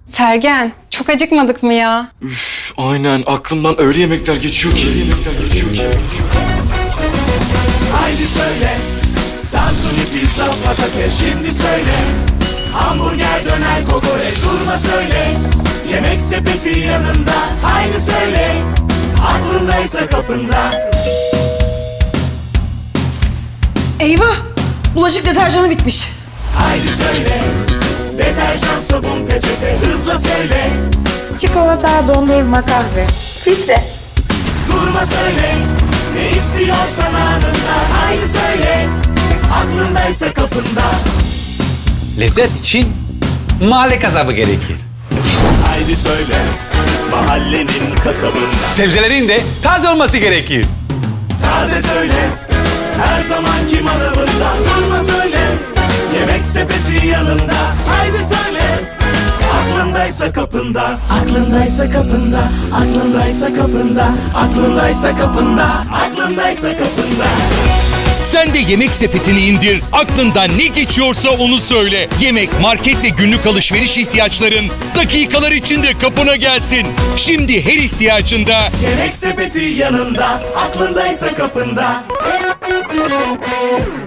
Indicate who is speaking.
Speaker 1: Sergen, çok acıkmadık mı ya?
Speaker 2: Üf, aynen aklımdan öyle yemekler geçiyor ki.
Speaker 3: Haydi söyle, tantuni, pizza, patates şimdi söyle. Hamburger, döner, kokoreç durma söyle. Yemek sepeti yanında, haydi söyle. Aklındaysa kapında.
Speaker 4: Eyvah! Bulaşık deterjanı bitmiş.
Speaker 3: Haydi söyle, deterjan, sabun, peçete hızla söyle.
Speaker 4: Çikolata, dondurma, kahve. Filtre.
Speaker 3: Durma söyle, ne istiyorsan anında, haydi söyle. Aklındaysa kapında.
Speaker 5: Lezzet için mahalle kasabı gerekir.
Speaker 3: Haydi söyle, mahallenin kasabında.
Speaker 5: Sebzelerin de taze olması gerekir.
Speaker 3: Taze söyle, her zamanki manavında. Durma söyle, yemek sepeti yanında. Haydi söyle, aklındaysa kapında. Aklındaysa kapında, aklındaysa kapında. Aklındaysa kapında, aklındaysa kapında.
Speaker 6: Sen de Yemek Sepeti'ni indir, aklından ne geçiyorsa onu söyle. Yemek, market ve günlük alışveriş ihtiyaçların dakikalar içinde kapına gelsin. Şimdi her ihtiyacında
Speaker 3: Yemek sepeti yanında, aklındaysa kapında.